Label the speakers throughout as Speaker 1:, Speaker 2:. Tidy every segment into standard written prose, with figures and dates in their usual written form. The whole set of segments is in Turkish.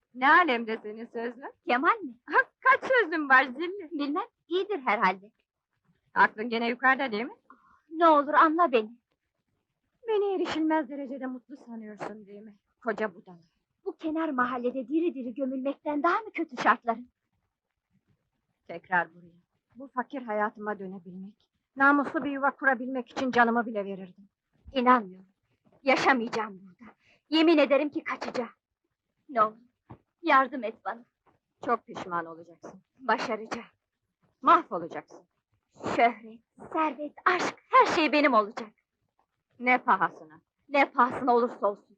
Speaker 1: Ne alemde senin sözlün?
Speaker 2: Kemal mi?
Speaker 1: Kaç sözlün var zilli?
Speaker 2: Bilmem, iyidir herhalde.
Speaker 1: Aklın gene yukarıda değil mi?
Speaker 2: Ne olur anla beni.
Speaker 1: Beni erişilmez derecede mutlu sanıyorsun değil mi? Koca budala.
Speaker 2: Bu kenar mahallede diri diri gömülmekten daha mı kötü şartların?
Speaker 1: Tekrar buraya. Bu fakir hayatıma dönebilmek, namuslu bir yuva kurabilmek için canımı bile verirdim.
Speaker 2: İnanmıyorum. Yaşamayacağım burada. Yemin ederim ki kaçacağım. Ne olur, yardım et bana.
Speaker 1: Çok pişman olacaksın.
Speaker 2: Başaracağım.
Speaker 1: Mahvolacaksın.
Speaker 2: Şöhret, servet, aşk, her şey benim olacak.
Speaker 1: Ne pahasına.
Speaker 2: Ne pahasına olursa olsun.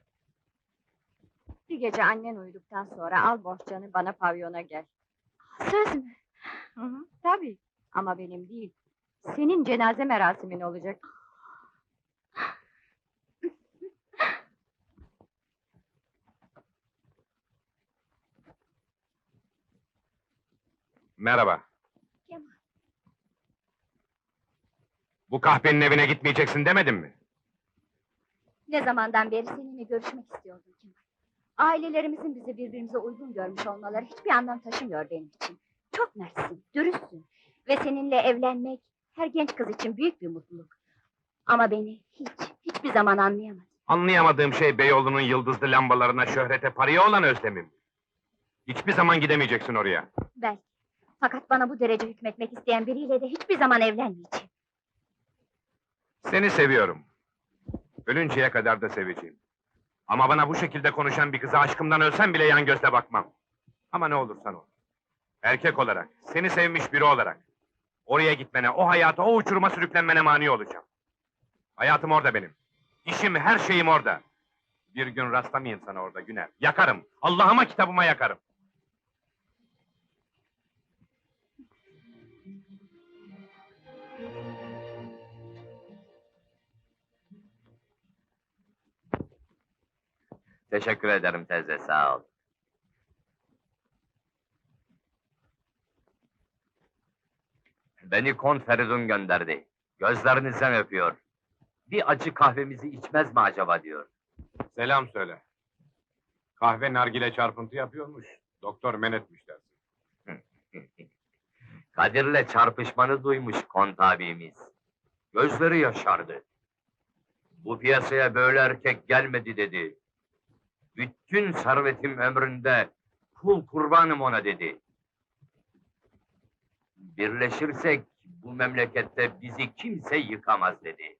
Speaker 1: Bir gece annen uyuduktan sonra al bohçanı bana pavyona gel.
Speaker 2: Söz mü?
Speaker 1: Tabii. Ama benim değil. Senin cenaze merasimin olacak.
Speaker 3: Merhaba.
Speaker 2: Kemal.
Speaker 3: Bu kahvenin evine gitmeyeceksin demedim mi?
Speaker 2: Ne zamandan beri seninle görüşmek istiyordum Kemal. Ailelerimizin bizi birbirimize uygun görmüş olmaları hiçbir anlam taşımıyor benim için. Çok mertsin, dürüstsün. Ve seninle evlenmek her genç kız için büyük bir mutluluk. Ama beni hiçbir zaman anlayamadın.
Speaker 3: Anlayamadığım şey Beyoğlu'nun yıldızlı lambalarına, şöhrete, paraya olan özlemim. Hiçbir zaman gidemeyeceksin oraya.
Speaker 2: Belki. Fakat bana bu derece hükmetmek isteyen biriyle de hiçbir zaman evlenmeyeceğim.
Speaker 3: Seni seviyorum. Ölünceye kadar da seveceğim. Ama bana bu şekilde konuşan bir kıza aşkımdan ölsem bile yan gözle bakmam. Ama ne olursan ol. Erkek olarak, seni sevmiş biri olarak. Oraya gitmene, o hayata, o uçuruma sürüklenmene mani olacağım. Hayatım orada benim. İşim, her şeyim orada. Bir gün rastlamayayım sana orada Güner. Yakarım. Allah'ıma kitabıma yakarım.
Speaker 4: Teşekkür ederim teyze, sağ ol. Beni Kont Feridun gönderdi. Gözlerinizden öpüyor. Bir acı kahvemizi içmez mi acaba diyor.
Speaker 3: Selam söyle. Kahve nargile çarpıntı yapıyormuş. Doktor men etmiş dersin.
Speaker 4: Kadir'le çarpışmanı duymuş Kont abimiz. Gözleri yaşardı. Bu piyasaya böyle erkek gelmedi dedi. Bütün servetim ömründe kul kurbanım ona dedi. Birleşirsek bu memlekette bizi kimse yıkamaz dedi.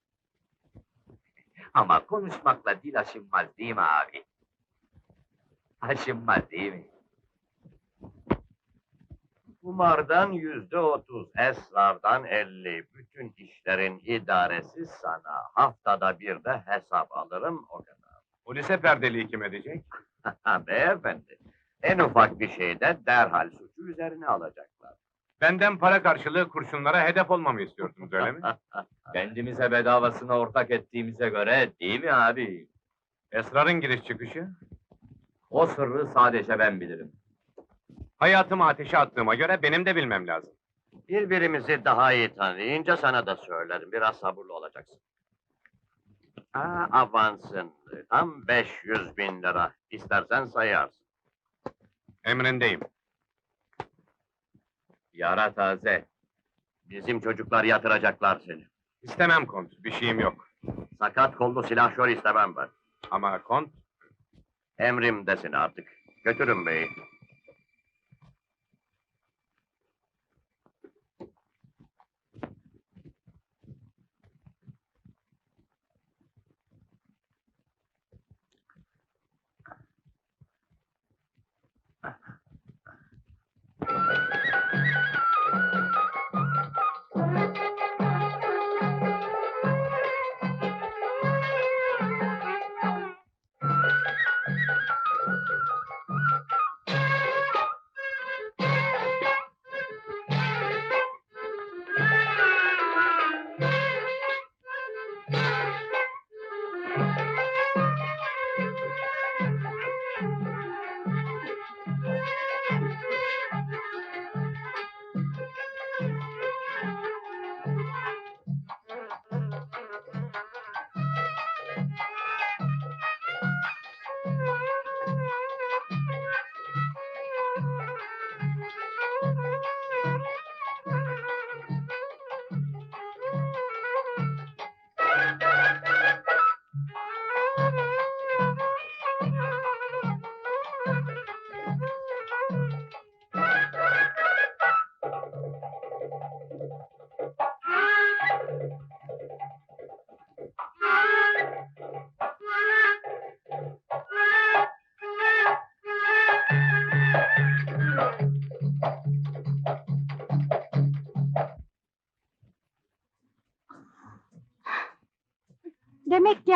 Speaker 4: Ama konuşmakla dil aşınmaz değil mi abi? Aşınmaz değil mi?
Speaker 5: Kumardan %30, esrardan 50. Bütün işlerin idaresi sana. Haftada bir de hesap alırım, o kadar.
Speaker 3: Polise perdeliği kim edecek?
Speaker 5: Beyefendi, en ufak bir şeyde derhal suçu üzerine alacaklar.
Speaker 3: Benden para karşılığı kurşunlara hedef olmamı istiyordunuz öyle mi?
Speaker 4: Kendimize bedavasına ortak ettiğimize göre değil mi abi?
Speaker 3: Esrarın giriş çıkışı?
Speaker 4: O sırrı sadece ben bilirim.
Speaker 3: Hayatımı ateşe attığıma göre benim de bilmem lazım.
Speaker 5: Birbirimizi daha iyi tanıyınca sana da söylerim, biraz sabırlı olacaksın. Avansın, tam 500.000 lira. İstersen sayarsın.
Speaker 3: Emrindeyim.
Speaker 4: Yara taze.
Speaker 5: Bizim çocuklar yatıracaklar seni.
Speaker 3: İstemem kont, bir şeyim yok.
Speaker 5: Sakat kollu silahşör istemem ben.
Speaker 3: Ama kont,
Speaker 5: Emrimdesin artık. Götürün beyi.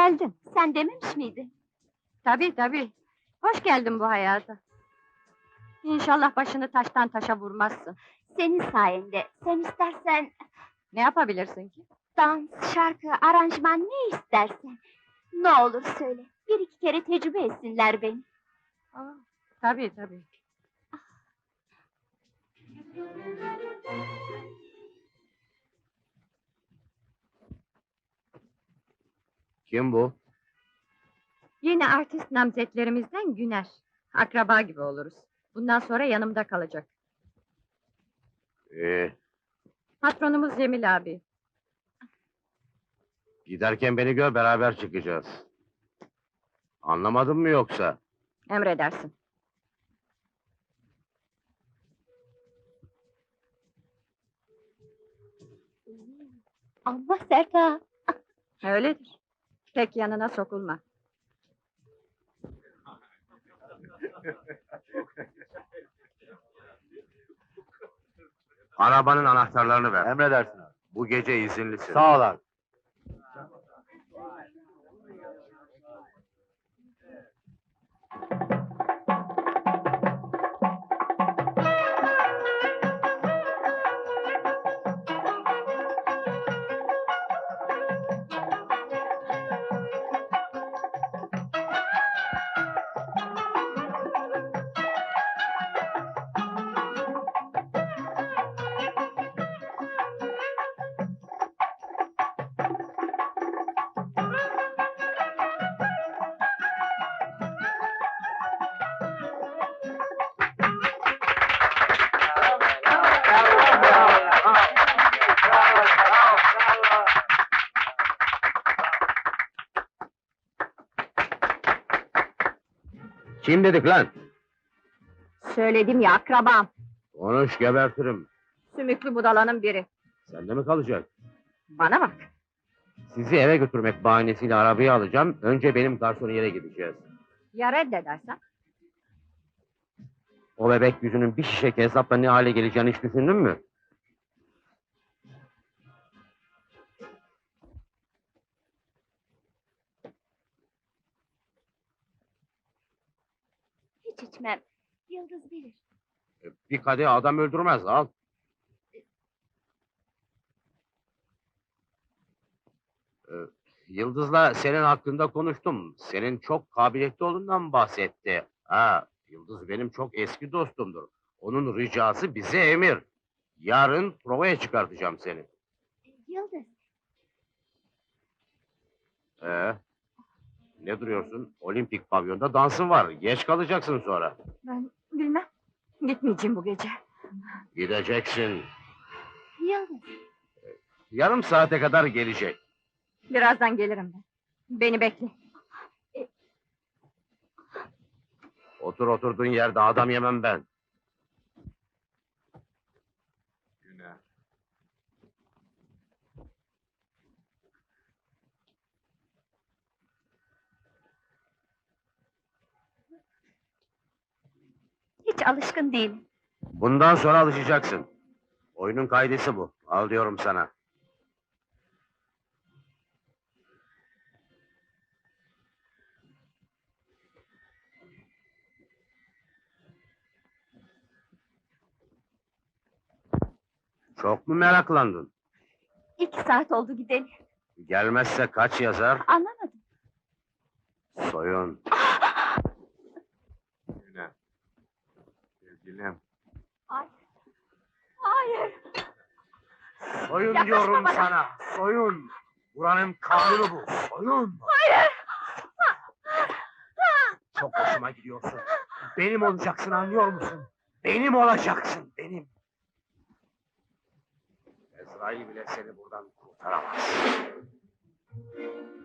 Speaker 1: geldin.
Speaker 2: Sen dememiş miydin?
Speaker 1: Tabii. Hoş geldin bu hayata. İnşallah başını taştan taşa vurmazsın.
Speaker 2: Senin sayende. Sen istersen
Speaker 1: Ne yapabilirsin ki?
Speaker 2: dans, şarkı, aranjman ne istersen. Ne olur söyle. Bir iki kere tecrübe etsinler beni.
Speaker 1: Tabii.
Speaker 5: Kim bu?
Speaker 1: Yeni artist namzetlerimizden Güner. Akraba gibi oluruz. Bundan sonra yanımda kalacak. Patronumuz Cemil abi.
Speaker 5: Giderken beni gör, beraber çıkacağız. Anlamadın mı yoksa?
Speaker 1: Emredersin.
Speaker 2: Allah sert ha.
Speaker 1: Öyledir. Pek yanına sokulma.
Speaker 3: Arabanın anahtarlarını ver.
Speaker 5: Emredersin abi.
Speaker 3: Bu gece izinlisin.
Speaker 5: Sağ ol abi.
Speaker 3: Kim dedik lan?
Speaker 1: Söyledim ya, akrabam.
Speaker 3: Konuş, gebertirim.
Speaker 1: Sümüklü budalanın biri.
Speaker 3: Sende mi kalacak?
Speaker 1: Bana bak.
Speaker 3: Sizi eve götürmek bahanesiyle arabayı alacağım. Önce benim garsoniyere gideceğiz.
Speaker 1: Ya reddedersen?
Speaker 3: O bebek yüzünün bir şişe hesapla ne hale geleceğini hiç düşündün mü?
Speaker 2: Hiç içmem. Yıldız bilir.
Speaker 3: Bir kadeh adam öldürmez, al. Yıldız'la senin hakkında konuştum. Senin çok kabiliyetli olduğundan bahsetti. Yıldız benim çok eski dostumdur. Onun ricası bize emir. Yarın provaya çıkartacağım seni.
Speaker 2: Yıldız.
Speaker 3: Ne duruyorsun? Olimpik pavyonda dansın var. Geç kalacaksın sonra.
Speaker 1: Ben bilmem. Gitmeyeceğim bu gece.
Speaker 3: Gideceksin.
Speaker 2: Yıldız.
Speaker 3: Yarım saate kadar gelecek.
Speaker 1: Birazdan gelirim ben. Beni bekle.
Speaker 3: Otur oturduğun yerde adam yemem ben. Güner.
Speaker 2: Hiç alışkın değilim.
Speaker 3: Bundan sonra alışacaksın. Oyunun kaidesi bu. Al diyorum sana. Çok mu meraklandın?
Speaker 2: 2 saat oldu gidelim.
Speaker 3: Gelmezse kaç yazar?
Speaker 2: Anlamadım.
Speaker 3: Soyun. Güner. Sevgilim.
Speaker 2: Hayır. Hayır.
Speaker 3: Soyun
Speaker 2: Yaklaşma
Speaker 3: diyorum
Speaker 2: bana.
Speaker 3: sana. Soyun. Buranın kanunu bu. Soyun.
Speaker 2: Hayır.
Speaker 3: Çok hoşuma gidiyorsun. Benim olacaksın, anlıyor musun? Benim olacaksın, benim. Ezrail bile seni buradan kurtaramaz.